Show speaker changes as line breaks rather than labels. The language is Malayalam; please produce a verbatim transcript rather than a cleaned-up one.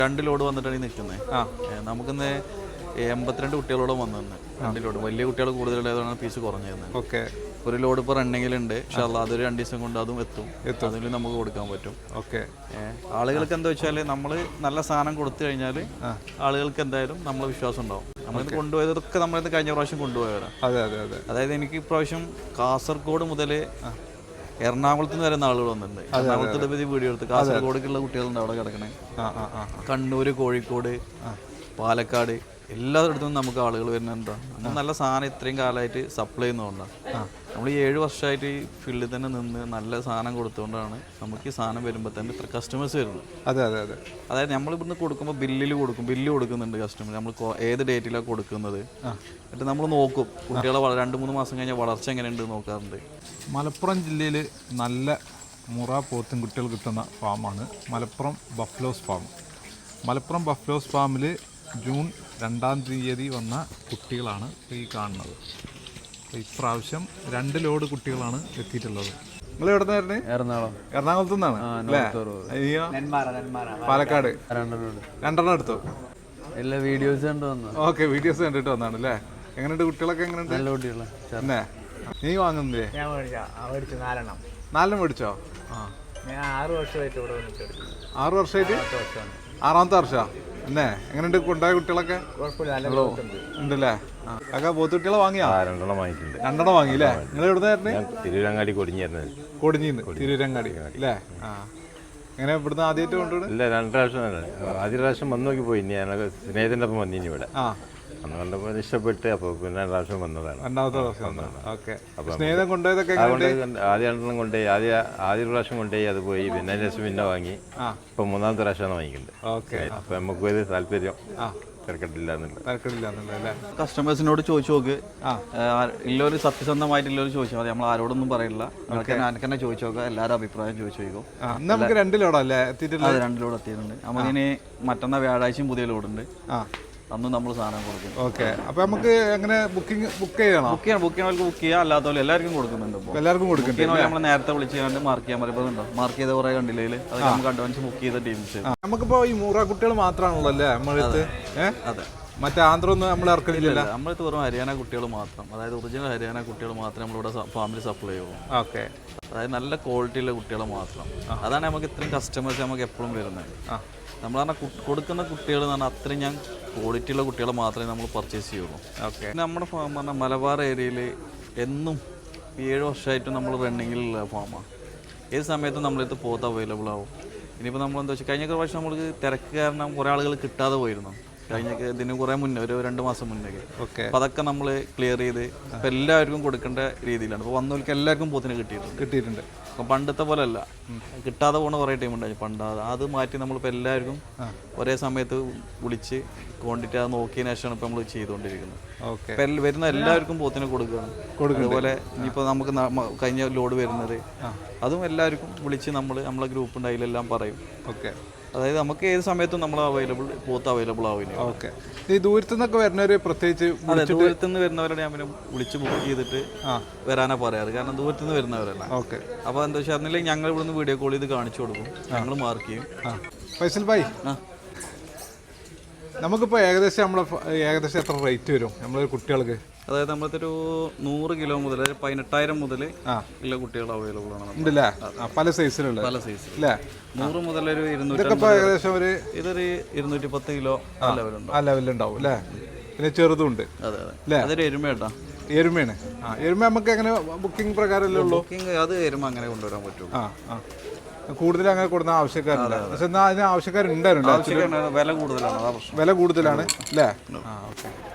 രണ്ട് ലോഡ് വന്നിട്ടാണ് ഈ നിൽക്കുന്നത്. ആ നമുക്കിന്ന് എൺപത്തിരണ്ട് കുട്ടികളോട് വന്നു. രണ്ട് ലോഡ് വലിയ കുട്ടികൾ കൂടുതലുള്ളതാണ് പീസ് കുറഞ്ഞിരുന്നത്.
ഓക്കെ.
ഒരു ലോഡ് ഇപ്പോൾ റണ്ണിങ്ങിലുണ്ട്. പക്ഷേ അതൊരു രണ്ട് ദിവസം കൊണ്ട് അതും എത്തും. അതിൽ നമുക്ക് കൊടുക്കാൻ പറ്റും.
ഓക്കെ.
ആളുകൾക്ക് എന്താ വെച്ചാൽ നമ്മൾ നല്ല സാധനം കൊടുത്തു കഴിഞ്ഞാൽ ആളുകൾക്ക് എന്തായാലും നമ്മളെ വിശ്വാസം ഉണ്ടാവും. നമ്മളിത് കൊണ്ടുപോയതൊക്കെ നമ്മളിത് കഴിഞ്ഞ പ്രാവശ്യം കൊണ്ടുപോയവരാണ്.
അതെ അതെ അതെ.
അതായത് എനിക്ക് ഇപ്രാവശ്യം കാസർഗോഡ് മുതൽ എറണാകുളത്ത് നിന്ന് വരുന്ന ആളുകൾ വന്നിട്ടുണ്ട്. എറണാകുളത്ത് പറ്റി വീഡിയോ എടുത്ത് കാസർഗോഡേക്കുള്ള കുട്ടികളുണ്ട് അവിടെ കിടക്കണേ. കണ്ണൂർ, കോഴിക്കോട്, പാലക്കാട് എല്ലായിടത്തും നമുക്ക് ആളുകൾ വരുന്നുണ്ടോ. നമ്മൾ നല്ല സാധനം ഇത്രയും കാലമായിട്ട് സപ്ലൈ ചെയ്യുന്നതുകൊണ്ടാണ്. നമ്മൾ ഈ ഏഴ് വർഷമായിട്ട് ഈ ഫീൽഡിൽ തന്നെ നിന്ന് നല്ല സാധനം കൊടുത്തുകൊണ്ടാണ് നമുക്ക് ഈ സാധനം വരുമ്പോൾ തന്നെ ഇത്ര കസ്റ്റമേഴ്സ് വരുന്നത്.
അതെ അതെ അതെ.
അതായത് നമ്മൾ ഇവിടുന്ന് കൊടുക്കുമ്പോൾ ബില്ലിൽ കൊടുക്കും, ബില്ല് കൊടുക്കുന്നുണ്ട് കസ്റ്റമർ. നമ്മൾ ഏത് ഡേറ്റിലാണ് കൊടുക്കുന്നത് എന്നിട്ട് നമ്മൾ നോക്കും കുട്ടികളെ രണ്ട് മൂന്ന് മാസം കഴിഞ്ഞാൽ വളർച്ച എങ്ങനെയുണ്ട് നോക്കാറുണ്ട്.
മലപ്പുറം ജില്ലയിൽ നല്ല മുറ പോത്തും കുട്ടികൾ കിട്ടുന്ന ഫാമാണ് Malappuram buffaloes farm. Malappuram buffaloes ഫാമിൽ ജൂൺ രണ്ടാം തീയതി വന്ന കുട്ടികളാണ് ഈ കാണുന്നത്. ഇപ്രാവശ്യം രണ്ട് ലോഡ് കുട്ടികളാണ് എത്തിയിട്ടുള്ളത്. നിങ്ങൾ എവിടെ നിന്നായിരുന്നു?
എറണാകുളം.
എറണാകുളത്തു നിന്നാണ് അല്ലേ? അയ്യോ, പാലക്കാട്. രണ്ടെണ്ണം എടുത്തു.
എല്ലാ വീഡിയോസ് കണ്ടു വന്നു.
ഓക്കെ, വീഡിയോസ് കണ്ടിട്ട് വന്നാണ് അല്ലേ? എങ്ങനെയുണ്ട് കുട്ടികളൊക്കെ? എങ്ങനെയുണ്ട്?
നല്ല കുട്ടികളെ.
തന്നെ നീ വാങ്ങുന്നില്ലേ?
നാലെണ്ണം.
നാലെണ്ണം മേടിച്ചോ? ആ,
ആറ് വർഷമായിട്ട് ഇവിടെ വന്നിട്ട്.
ആറ് വർഷമായിട്ട്? ആറാമത്തെ വർഷമാ എന്നെ. എങ്ങനെയുണ്ട് കൊണ്ടായ കുട്ടികളൊക്കെ? ഉണ്ടല്ലേ? അതൊക്കെ പോത്ത് കുട്ടികളെ വാങ്ങിയാ?
രണ്ടെണ്ണം വാങ്ങിയിട്ടുണ്ട്.
രണ്ടെണ്ണം വാങ്ങിയില്ലേ? നിങ്ങൾ എവിടുന്നായിരുന്നു?
തിരൂരങ്ങാടി കൊടിഞ്ഞായിരുന്നു.
കൊടിഞ്ഞിന്ന് തിരൂരങ്ങാടി അല്ലേ? ആ, എങ്ങനെ ഇവിടുന്ന് ആദ്യമായിട്ട് കൊണ്ടുപോയി?
ഇല്ല, രണ്ട് പ്രാവശ്യം. ആദ്യ പ്രാവശ്യം വന്നു നോക്കി പോയി. ഞാനൊക്കെ സ്നേഹത്തിൻ്റെ ഒപ്പം വന്നിനി ഇവിടെ. ആ, അന്ന് കണ്ടപ്പോൾ ഇഷ്ടപ്പെട്ട് അപ്പോൾ പിന്നെ രണ്ട് പ്രാവശ്യം വന്നതാണ്.
രണ്ടാമത്തെ പ്രാവശ്യം വന്നതാണ്. ഓക്കെ. സ്നേഹിതം കൊണ്ടുപോയതൊക്കെ
ആദ്യ രണ്ടെണ്ണം കൊണ്ടുപോയി. ആദ്യ ആദ്യ പ്രാവശ്യം കൊണ്ടുപോയി അത് പോയി. പിന്നെ അതിന് ശേഷം പിന്നെ വാങ്ങി. ഇപ്പം മൂന്നാമത്തെ പ്രാവശ്യമാണ് വാങ്ങിക്കുന്നത്. ഓക്കെ. അപ്പം നമുക്ക് ഒരു താല്പര്യം
കസ്റ്റമേഴ്സിനോട് ചോദിച്ചു നോക്ക്. ഇല്ലൊരു സത്യസന്ധമായിട്ടുള്ളൊരു ചോദിച്ചാൽ മതി. നമ്മൾ ആരോടൊന്നും പറയില്ല. എനിക്ക് തന്നെ ചോദിച്ചു നോക്കാം. എല്ലാവരും അഭിപ്രായം ചോദിച്ചു നോക്കും.
നമുക്ക് രണ്ട് ലോഡല്ലേ എത്തിയിട്ടുള്ളത്?
രണ്ട് ലോഡ് എത്തിയിട്ടുണ്ട്. നമുക്കിനി മറ്റന്നാൾ വ്യാഴാഴ്ചയും പുതിയ ലോഡുണ്ട്. അന്ന് നമ്മൾ സാധനം കൊടുക്കും.
ഓക്കെ. അപ്പൊ നമുക്ക് എങ്ങനെ ബുക്കിംഗ് ബുക്ക് ചെയ്യണം?
ബുക്ക് ചെയ്യണം. ബുക്ക് ചെയ്യണവർക്ക് ബുക്ക് ചെയ്യാം, അല്ലാത്തവർ എല്ലാവർക്കും കൊടുക്കുന്നുണ്ട്.
എല്ലാവർക്കും കൊടുക്കുന്നുണ്ട്.
നമ്മൾ നേരത്തെ വിളിച്ച് കണ്ട് മാർക്ക് ചെയ്യാൻ പറയുന്നുണ്ടോ? മാർക്ക് ചെയ്ത കുറെ കണ്ടില്ലേ? അത് നമുക്ക് അഡ്വാൻസ് ബുക്ക് ചെയ്ത ടീംസ്.
നമുക്കിപ്പോ ഈ മൂറ കുട്ടികൾ മാത്രമാണല്ലോ അല്ലേ നമ്മളടുത്ത്?
അതെ.
മറ്റേ ആന്ധ്ര ഒന്നും നമ്മൾ ഇറക്കുന്നില്ല.
നമ്മളടുത്ത് വെറും ഹരിയാന കുട്ടികൾ മാത്രം, അതായത് ഒറിജിനൽ ഹരിയാന കുട്ടികൾ മാത്രമേ നമ്മളിവിടെ ഫാമിലി സപ്ലൈ ചെയ്യുള്ളൂ.
ഓക്കെ.
അതായത് നല്ല ക്വാളിറ്റിയുള്ള കുട്ടികളെ മാത്രം. അതാണ് നമുക്ക് ഇത്രയും കസ്റ്റമേഴ്സ് നമുക്ക് എപ്പോഴും വരുന്നത്. നമ്മൾ പറഞ്ഞാൽ കൊടുക്കുന്ന കുട്ടികൾ എന്ന് പറഞ്ഞാൽ അത്രയും ഞാൻ ക്വാളിറ്റിയുള്ള കുട്ടികളെ മാത്രമേ നമ്മൾ പർച്ചേസ് ചെയ്യുള്ളൂ. ഓക്കെ. നമ്മുടെ ഫാം പറഞ്ഞാൽ മലബാർ ഏരിയയിൽ എന്നും ഏഴ് വർഷമായിട്ടും നമ്മൾ റണ്ണിങ്ങിലുള്ള ഫാമാണ്. ഏത് സമയത്തും നമ്മളടുത്ത് പോത്ത് അവൈലബിൾ ആവും. ഇനിയിപ്പോൾ നമ്മളെന്താ വെച്ചാൽ കഴിഞ്ഞ പ്രാവശ്യം നമ്മൾക്ക് തിരക്ക് കാരണം കുറേ ആളുകൾ കിട്ടാതെ പോയിരുന്നു. കഴിഞ്ഞ ഇതിന് കുറേ മുന്നേ ഒരു രണ്ട് മാസം മുന്നേ. ഓക്കെ. അപ്പം അതൊക്കെ നമ്മൾ ക്ലിയർ ചെയ്ത് ഇപ്പം എല്ലാവർക്കും കൊടുക്കേണ്ട രീതിയിലാണ്. ഇപ്പോൾ വന്നവർക്ക് എല്ലാവർക്കും പോത്തിന് കിട്ടിയിട്ടുണ്ട് കിട്ടിയിട്ടുണ്ട് അപ്പം പണ്ടത്തെ പോലെ അല്ല. കിട്ടാതെ പോകുന്ന കുറേ ടൈം ഉണ്ടായി പണ്ട്. അത് മാറ്റി നമ്മളിപ്പോൾ എല്ലാവർക്കും ഒരേ സമയത്ത് വിളിച്ച് ക്വാണ്ടിറ്റി അത് നോക്കിയതിനു ശേഷമാണ് ഇപ്പം നമ്മൾ ചെയ്തുകൊണ്ടിരിക്കുന്നത്. ഓക്കെ. ഇപ്പം വരുന്ന എല്ലാവർക്കും പോത്തിന് കൊടുക്കുകയാണ്. അതുപോലെ ഇനിയിപ്പോൾ നമുക്ക് കഴിഞ്ഞ ലോഡ് വരുന്നത് അതും എല്ലാവർക്കും വിളിച്ച് നമ്മൾ നമ്മളെ ഗ്രൂപ്പ് ഉണ്ട്, അതിലെല്ലാം പറയും. ഓക്കെ. അതായത് നമുക്ക് ഏത് സമയത്തും നമ്മൾ അവൈലബിൾ പോത്ത് അവൈലബിൾ ആവില്ല.
ഓക്കെ. ഈ ദൂരത്തു നിന്നൊക്കെ വരുന്നവർ പ്രത്യേകിച്ച്
ദൂരത്തു നിന്ന് വരുന്നവരുടെ ഞാൻ പിന്നെ വിളിച്ച് ബുക്ക് ചെയ്തിട്ട് വരാനാ പറയാറ്. കാരണം ദൂരത്തു നിന്ന് വരുന്നവരല്ല. ഓക്കെ. അപ്പോൾ എന്താ വെച്ചാൽ അറിഞ്ഞില്ലെങ്കിൽ ഞങ്ങൾ ഇവിടുന്ന് വീഡിയോ കോൾ ചെയ്ത് കാണിച്ചു കൊടുക്കും, ഞങ്ങൾ മാർക്ക് ചെയ്യും.
ഫൈസൽ ഭായ്, നമുക്കിപ്പോൾ ഏകദേശം നമ്മളെ ഏകദേശം എത്ര റേറ്റ് വരും നമ്മളെ കുട്ടികൾക്ക്?
അതായത് നമ്മളത്തെ ഒരു നൂറ് കിലോ മുതൽ പതിനെട്ടായിരം മുതൽ ഉള്ള കുട്ടികൾ അവൈലബിൾ ആണ്.
ഉണ്ടല്ലേ? പല സൈസിലുള്ള
പല സൈസ് അല്ലേ? നൂറ് മുതൽ ഒരു ഇരുന്നൂറ്റി
ഏകദേശം ഒരു
ഇതൊരു ഇരുന്നൂറ്റി പത്ത് കിലോ ആ ലെവലുണ്ടാവും.
ആ ലെവലുണ്ടാവും അല്ലേ? പിന്നെ ചെറുതും ഉണ്ട്.
അതെ അതെ. അതൊരു എരുമ കേട്ടാ.
എരുമയാണ്. ആ, എരുമ നമുക്ക് എങ്ങനെ ബുക്കിംഗ് പ്രകാരമല്ലേ ഉള്ളൂ?
ബുക്കിംഗ് അത് എരുമ അങ്ങനെ കൊണ്ടുവരാൻ പറ്റും. ആ ആ
കൂടുതൽ അങ്ങനെ കൊടുക്കുന്ന ആവശ്യക്കാരില്ല. പക്ഷെ എന്നാൽ അതിന് ആവശ്യക്കാരുണ്ടായിരുന്നു.
വില കൂടുതലാണ്.
വില കൂടുതലാണ് അല്ലേ? ആ, ഓക്കെ.